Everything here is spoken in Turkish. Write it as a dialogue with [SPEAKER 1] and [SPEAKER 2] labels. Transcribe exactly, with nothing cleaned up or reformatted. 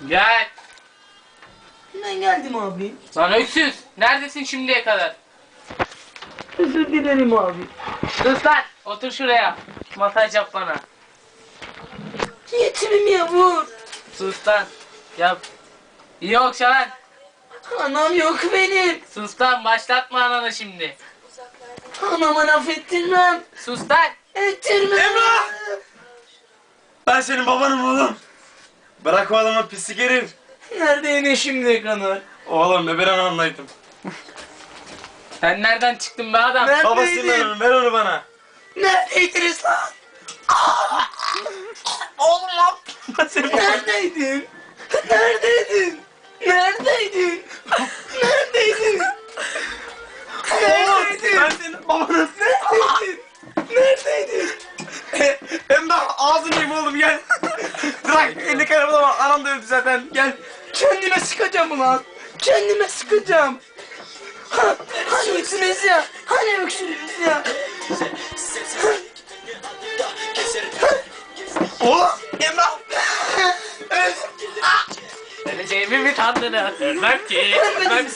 [SPEAKER 1] Gel.
[SPEAKER 2] Ben geldim abi.
[SPEAKER 1] Lan öksüz. Neredesin şimdiye kadar?
[SPEAKER 2] Özür dilerim abi.
[SPEAKER 1] Sus lan. Otur şuraya. Masaj yap bana.
[SPEAKER 2] Yetimim ya vur.
[SPEAKER 1] Sus lan. Yap. İyi okşa lan.
[SPEAKER 2] Anam yok benim.
[SPEAKER 1] Sus lan. Başlatma ananı şimdi.
[SPEAKER 2] Anama laf ettirmem.
[SPEAKER 1] Sus lan.
[SPEAKER 2] Ettirmem.
[SPEAKER 3] Emrah! Ben senin babanım oğlum. Bırak o adamı pislik herif.
[SPEAKER 2] Neredeydi şimdiye kadar?
[SPEAKER 3] Oğlum be ben onu anlaydım.
[SPEAKER 1] Sen nereden çıktın be adam?
[SPEAKER 2] Neredeydin?
[SPEAKER 3] Babasının onu ver onu bana.
[SPEAKER 2] Neredeydiniz lan?
[SPEAKER 3] Oğlum lan. Ben senin babanım.
[SPEAKER 2] Neredeydin? Neredeydin? Neredeydin? Neredeydin?
[SPEAKER 3] Oğlum
[SPEAKER 2] Neredeydin?
[SPEAKER 3] ben senin babanım.
[SPEAKER 2] Neredeydin? Neredeydin?
[SPEAKER 3] Emrah ağzını yiyeyim oğlum gel. Bırak elini karamalama bak anam da öldü zaten gel.
[SPEAKER 2] Kendime sıkacağım ulan. Kendime sıkacağım. Ha, hani öksürüz ya? Hani öksürüz ya?
[SPEAKER 3] Oğlum Emrah.
[SPEAKER 1] Öleceğimi mi sandınız? Ölmem ki. Ölmem